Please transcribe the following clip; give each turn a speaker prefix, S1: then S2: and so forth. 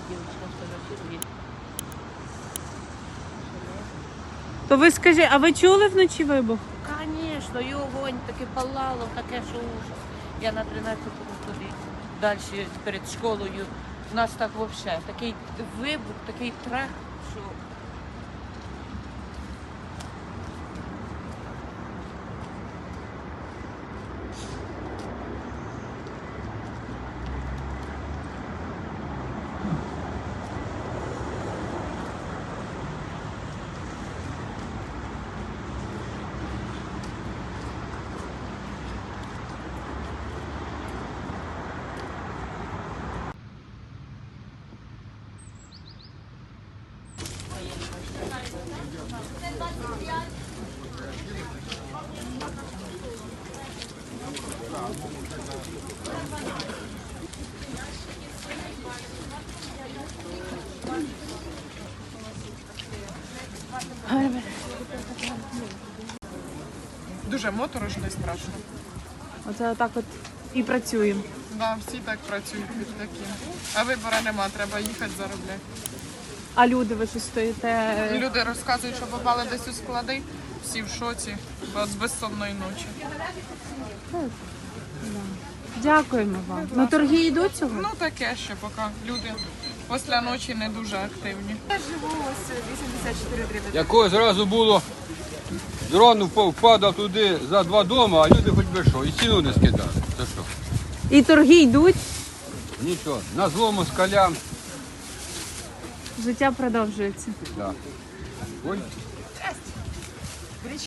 S1: девочка фотографирует.
S2: То ви скажіть, а ви чули вночі вибух?
S1: Конечно, і огонь таке палало, таке, що ужас. Я на 13-му туди, далі перед школою. У нас так взагалі, такий вибух, такий трах, що...
S3: Дуже моторошно і страшно.
S2: Оце так от і працюємо.
S3: Да, всі так працюють під таким. А вибору нема, треба їхати заробляти.
S2: А люди, ви що стоїте?
S3: Люди розказують, що попали десь у склади, всі в шоці от з безсонної ночі.
S2: Дякуємо вам. Ну торги йдуть цього?
S3: Ну таке ще поки люди після ночі не дуже активні.
S4: Якого зразу було, дрон впадав туди за 2 дома, а люди хоч би що, і ціну не скидали. Це що?
S2: І торги йдуть,
S4: Нічого, на злому скалям.
S2: життя продовжується.
S4: Да. Ой.